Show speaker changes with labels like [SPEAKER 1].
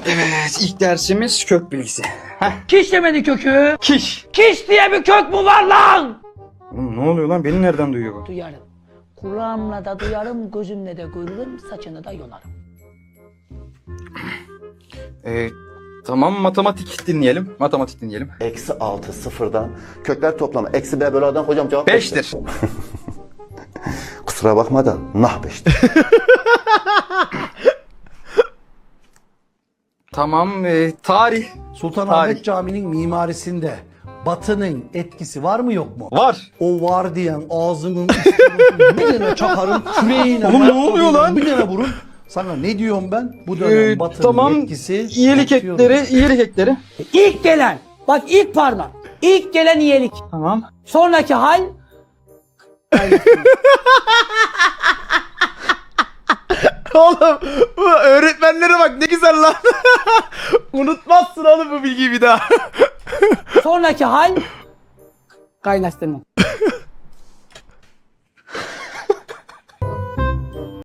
[SPEAKER 1] Evet, ilk dersimiz kök bilgisi.
[SPEAKER 2] Kiş demedi kökü.
[SPEAKER 1] Kiş.
[SPEAKER 2] Kiş diye bir kök mü var lan?
[SPEAKER 1] Oğlum ne oluyor lan? Beni nereden duyuyor bu?
[SPEAKER 2] Duyarım. Kulağımla da duyarım, gözümle de görürüm, saçını da yolarım.
[SPEAKER 1] Tamam, matematik dinleyelim. Matematik dinleyelim.
[SPEAKER 3] Eksi 6 sıfırdan kökler toplamı. Eksi B bölü A'dan hocam cevap
[SPEAKER 1] 5'tir.
[SPEAKER 3] Kusura bakma da nah 5'tir.
[SPEAKER 1] Tamam, tarih.
[SPEAKER 4] Sultanahmet Camii'nin mimarisinde Batı'nın etkisi var mı yok mu?
[SPEAKER 1] Var.
[SPEAKER 4] O var diyen ağzının üstüne bir tane çakarım, küreğine.
[SPEAKER 1] Oğlum ne oluyor lan?
[SPEAKER 4] Bir tane vurun. Sana ne diyorum ben? Bu dönem Batı'nın
[SPEAKER 1] Tamam,
[SPEAKER 4] etkisi...
[SPEAKER 1] iyilik ekleri.
[SPEAKER 2] İlk gelen, bak ilk parmak. İlk gelen iyilik.
[SPEAKER 1] Tamam.
[SPEAKER 2] Sonraki hal...
[SPEAKER 5] Oğlum bu öğretmenlere bak ne güzel lan. Unutmazsın oğlum bu bilgiyi bir daha.
[SPEAKER 2] Sonraki hal... Kaynaştırma.